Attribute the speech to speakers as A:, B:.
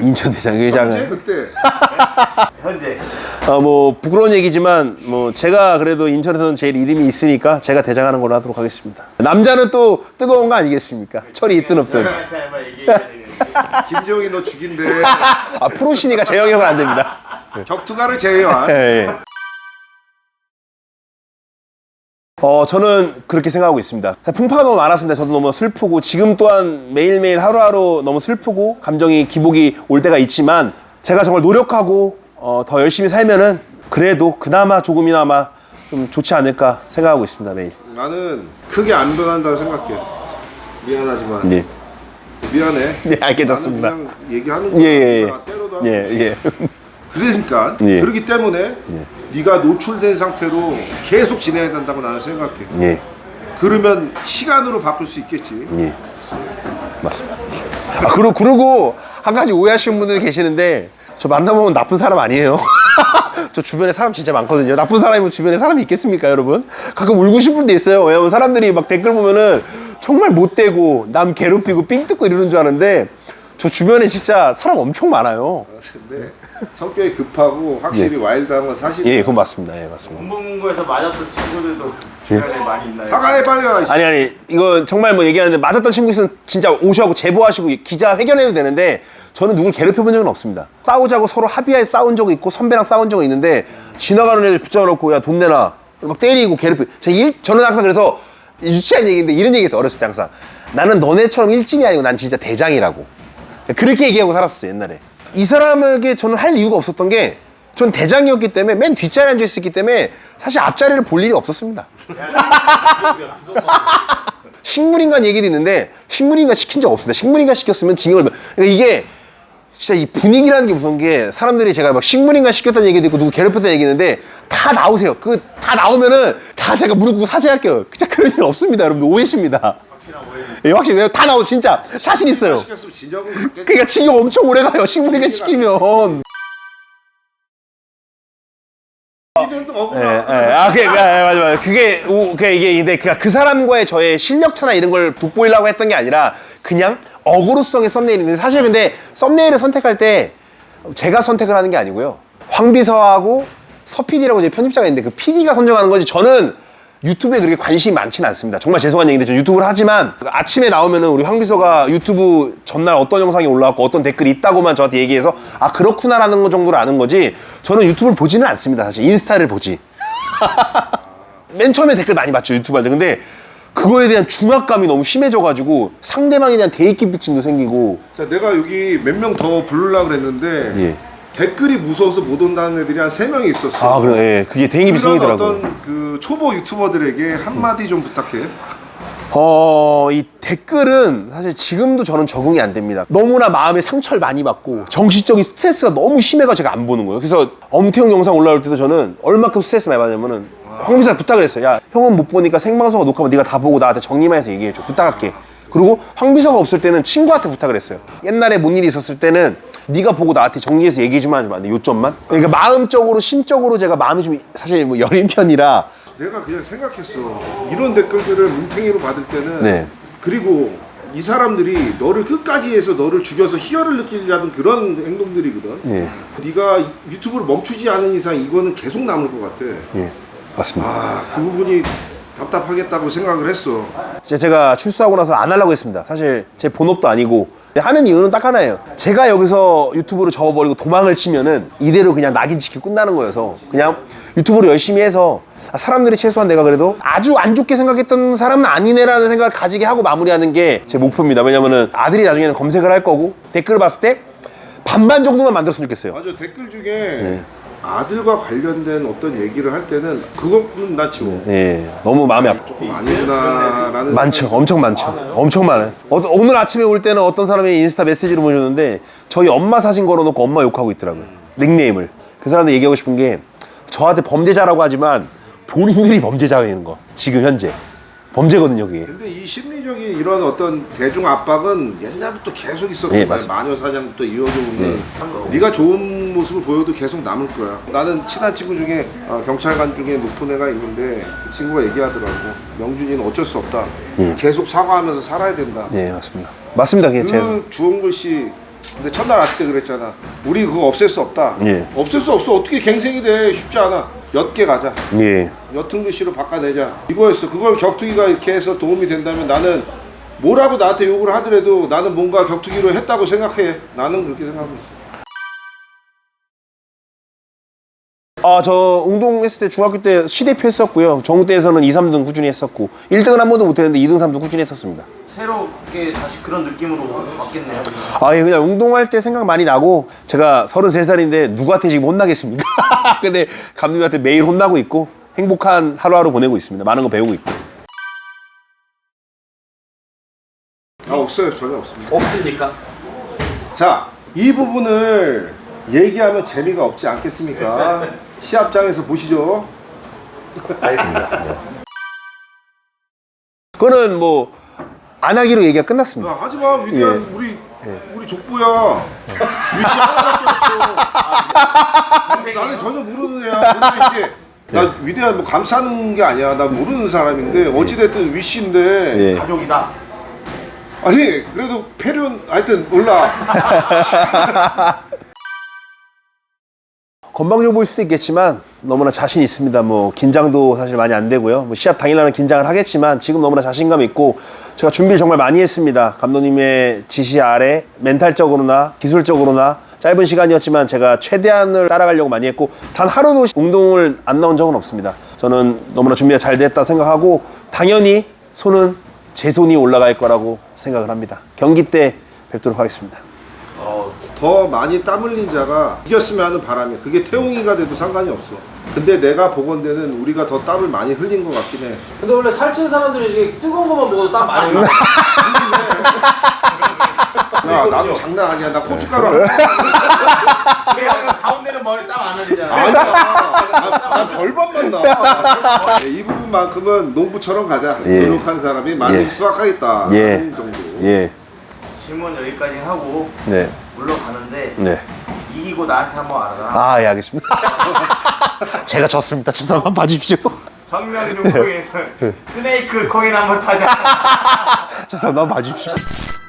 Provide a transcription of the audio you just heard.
A: 인천 대장경기장은
B: 현재 그때
C: 현재
A: 뭐 부끄러운 얘기지만 뭐 제가 그래도 인천에서는 제일 이름이 있으니까 제가 대장하는 걸로 하도록 하겠습니다. 남자는 또 뜨거운 거 아니겠습니까? 철이 있든 없든.
C: 저한테 한번 얘기해야 되겠는데
B: 김종이 너 죽인데
A: 아 프로시니까 재영이 형은 안 됩니다.
B: 격투가를 제외한
A: 예, 예. 저는 그렇게 생각하고 있습니다. 풍파가 너무 많았습니다. 저도 너무 슬프고 지금 또한 매일매일 하루하루 너무 슬프고 감정이 기복이 올 때가 있지만 제가 정말 노력하고 더 열심히 살면은 그래도 그나마 조금이나마 좀 좋지 않을까 생각하고 있습니다. 매일.
B: 나는 크게 안 변한다고 생각해. 미안하지만
A: 예.
B: 미안해.
A: 예, 알겠습니다.
B: 나는 그냥 얘기하는 거야.
A: 예.
B: 때로도 하고.
A: 예.
B: 그러니까
A: 예.
B: 그렇기 때문에 네가 노출된 상태로 계속 지내야 된다고 나는 생각해.
A: 예.
B: 그러면 시간으로 바꿀 수 있겠지.
A: 예. 맞습니다. 그리고 한 가지 오해하시는 분들 계시는데 저 만나보면 나쁜 사람 아니에요. 저 주변에 사람 진짜 많거든요. 나쁜 사람이면 주변에 사람이 있겠습니까, 여러분? 가끔 울고 싶은 데 있어요. 왜냐면 사람들이 막 댓글 보면은 정말 못되고 남 괴롭히고 삥 뜯고 이러는 줄 아는데 저 주변에 진짜 사람 엄청 많아요.
B: 근데 성격이 급하고 확실히 와일드한 건 사실이야.
A: 예, 그건 맞습니다. 예, 맞습니다.
C: 공부에서 맞았던 친구들도 주변에 많이 있나요?
B: 사과해 빨리 와.
A: 아니 이거 정말 뭐 얘기하는데 맞았던 친구 있으면 진짜 오셔하고 제보하시고 기자 회견해도 되는데 저는 누굴 괴롭혀본 적은 없습니다. 싸우자고 서로 합의하에 싸운 적이 있고 선배랑 싸운 적은 있는데 지나가는 애들 붙잡아놓고 야 돈 내놔 막 때리고 괴롭히고 저는 항상 그래서 유치한 얘기인데 이런 얘기 했어요. 어렸을 때 항상 나는 너네처럼 일진이 아니고 난 진짜 대장이라고 그렇게 얘기하고 살았었어요. 옛날에 이 사람에게 저는 할 이유가 없었던 게 전 대장이었기 때문에 맨 뒷자리에 앉아 있었기 때문에 사실 앞자리를 볼 일이 없었습니다. 식물인간 얘기도 있는데 식물인간 시킨 적 없습니다. 식물인간 시켰으면 징역을 그러니까 이게 진짜 이 분위기라는 게 무서운 게 사람들이 제가 막 식물인간 시켰다는 얘기도 있고 누구 괴롭혔다는 얘기 있는데 다 나오세요. 그 다 나오면은 다 제가 무릎 꿇고 사죄할게요. 진짜 그런 일 없습니다. 여러분들 오해십니다. 예, 확실히 다 나오고 진짜 자신 있어요.
B: 시켰으면 진역은 갖겠지.
A: 그러니까 징역 엄청 오래 가요. 식물인간 시키면.
B: 니는 억울하.
A: 맞아. 이게 근데 그 사람과의 저의 실력차나 이런 걸 돋보이려고 했던 게 아니라 그냥 어그로성의 썸네일인데 사실 근데 썸네일을 선택할 때 제가 선택을 하는 게 아니고요. 황비서하고 서PD라고 이제 편집자가 있는데 그 PD가 선정하는 거지 저는 유튜브에 그렇게 관심이 많지는 않습니다. 정말 죄송한 얘기인데 저 유튜브를 하지만 아침에 나오면은 우리 황비서가 유튜브 전날 어떤 영상이 올라왔고 어떤 댓글이 있다고만 저한테 얘기해서 아 그렇구나라는 거 정도로 아는 거지 저는 유튜브를 보지는 않습니다. 사실 인스타를 보지. 맨 처음에 댓글 많이 봤죠 유튜브 할 때. 근데 그거에 대한 중압감이 너무 심해져가지고 상대방에 대한 대입기피증도 생기고.
B: 자, 내가 여기 몇 명 더 부르려고 그랬는데
A: 예.
B: 댓글이 무서워서 못 온다는 애들이 한 3명이 있었어.
A: 아 그래, 예. 그게 대입이
B: 그런
A: 생기더라고요.
B: 어떤 그 초보 유튜버들에게 한마디 좀 부탁해.
A: 이 댓글은 사실 지금도 저는 적응이 안 됩니다. 너무나 마음에 상처를 많이 받고 정신적인 스트레스가 너무 심해가 제가 안 보는 거예요. 그래서 엄태웅 영상 올라올 때도 저는 얼마큼 스트레스 많이 받냐면은 황비서한테 부탁을 했어요. 야 형은 못 보니까 생방송과 녹화만 네가 다 보고 나한테 정리만 해서 얘기해줘. 부탁할게. 그리고 황비서가 없을 때는 친구한테 부탁을 했어요. 옛날에 뭔 일이 있었을 때는 네가 보고 나한테 정리해서 얘기해주면 안 돼. 요점만. 그러니까 마음적으로 심적으로 제가 마음이 좀 사실 뭐 여린 편이라
B: 내가 그냥 생각했어. 이런 댓글들을 뭉탱이로 받을 때는
A: 네.
B: 그리고 이 사람들이 너를 끝까지 해서 너를 죽여서 희열을 느끼려는 그런 행동들이거든.
A: 예.
B: 네가 유튜브를 멈추지 않은 이상 이거는 계속 남을 것 같아.
A: 예, 맞습니다.
B: 아, 그 부분이 답답하겠다고 생각을 했어.
A: 제가 출소하고 나서 안 하려고 했습니다. 사실 제 본업도 아니고 하는 이유는 딱 하나예요. 제가 여기서 유튜브를 접어버리고 도망을 치면은 이대로 그냥 낙인 찍히고 끝나는 거여서 그냥 유튜브를 열심히 해서 사람들이 최소한 내가 그래도 아주 안 좋게 생각했던 사람은 아니네라는 생각을 가지게 하고 마무리하는 게 제 목표입니다. 왜냐면은 아들이 나중에는 검색을 할 거고 댓글을 봤을 때 반반 정도만 만들었으면 좋겠어요.
B: 맞아, 댓글 중에 아들과 관련된 어떤 얘기를 할 때는 그거는 나 지워.
A: 예, 너무 마음이 아파.
B: 조금 아니구나라는.
A: 많죠. 엄청 많죠. 엄청 많아요. 오늘 아침에 올 때는 어떤 사람이 인스타 메시지로 보내줬는데 저희 엄마 사진 걸어놓고 엄마 욕하고 있더라고요. 닉네임을. 그 사람들 얘기하고 싶은 게 저한테 범죄자라고 하지만 본인들이 범죄자인 거. 지금 현재. 범죄거든요, 그게.
B: 근데 이 심리적인 이런 어떤 대중 압박은 옛날부터 계속 있었거든.
A: 예, 맞습니다.
B: 마녀 사냥부터 이어져 오는. 네가 좋은 모습을 보여도 계속 남을 거야. 나는 친한 친구 중에 경찰관 중에 높은 애가 있는데 그 친구가 얘기하더라고. 명준이는 어쩔 수 없다.
A: 예.
B: 계속 사과하면서 살아야 된다.
A: 예, 맞습니다. 맞습니다, 그게
B: 그 주홍글 씨 근데 첫날 왔을 때 그랬잖아. 우리 그거 없앨 수 없다.
A: 예.
B: 없앨 수 없어. 어떻게 갱생이 돼? 쉽지 않아. 옅게 가자.
A: 예.
B: 옅은 글씨로 바꿔내자. 이거였어. 그걸 격투기가 이렇게 해서 도움이 된다면 나는 뭐라고 나한테 욕을 하더라도 나는 뭔가 격투기로 했다고 생각해. 나는 그렇게 생각하고 있어.
A: 저 운동했을 때 중학교 때 시대표 했었고요. 정우 때에서는 2, 3등 꾸준히 했었고 1등은 한 번도 못했는데 2등, 3등 꾸준히 했었습니다.
C: 새롭게 다시 그런 느낌으로 바뀌었네요.
A: 예, 그냥 운동할 때 생각 많이 나고 제가 33살인데 누구한테 지금 혼나겠습니까? 근데 감독님한테 매일 혼나고 있고 행복한 하루하루 보내고 있습니다. 많은 거 배우고 있고.
B: 없어요. 전혀 없습니다.
D: 없습니까?
B: 자, 이 부분을 얘기하면 재미가 없지 않겠습니까? 시합장에서 보시죠.
A: 알겠습니다. 그거는 뭐 안 하기로 얘기가 끝났습니다.
B: 야, 하지마. 위대한 우리 족보야. 위시 하나밖에 없어. 나는 전혀 모르는 애야. 오늘 이게 나 위대한 뭐 감싸는 게 아니야. 나 모르는 사람인데 어찌됐든 위시인데
A: 예.
C: 가족이다.
B: 아니 그래도 패륜 하여튼 몰라.
A: 건방져 보일 수도 있겠지만 너무나 자신 있습니다. 뭐 긴장도 사실 많이 안 되고요. 뭐 시합 당일날은 긴장을 하겠지만 지금 너무나 자신감 있고 제가 준비를 정말 많이 했습니다. 감독님의 지시 아래 멘탈적으로나 기술적으로나 짧은 시간이었지만 제가 최대한을 따라가려고 많이 했고 단 하루도 운동을 안 나온 적은 없습니다. 저는 너무나 준비가 잘 됐다 생각하고 당연히 손은 제 손이 올라갈 거라고 생각을 합니다. 경기 때 뵙도록 하겠습니다.
B: 더 많이 땀 흘린 자가 이겼으면 하는 바람이야. 그게 태웅이가 돼도 상관이 없어. 근데 내가 보건대는 우리가 더 땀을 많이 흘린 것 같긴 해.
D: 근데 원래 살찐 사람들이 이게 뜨거운 것만 먹어도 땀 많이 흘려.
B: 야, 나도 장난 아니야. 나 고춧가루 안 먹어.
C: 내가 가운데는 머리 땀 안 흘리잖아.
B: 아니야. 난 절반만 나. 이 부분만큼은 농부처럼 가자.
A: 예.
B: 노력한 사람이 많이
A: 예.
B: 수확하겠다.
A: 예.
B: 하는 정도.
A: 예.
C: 질문 여기까지 하고
A: 네.
C: 물러가는데
A: 네.
C: 이기고 나한테 한번 알아라.
A: 예, 알겠습니다. 제가 졌습니다. 죄송 한번 봐주십시오.
C: 정면 룸코에서 스네이크 코인 한번 타자.
A: 죄송 한번 봐주십시오.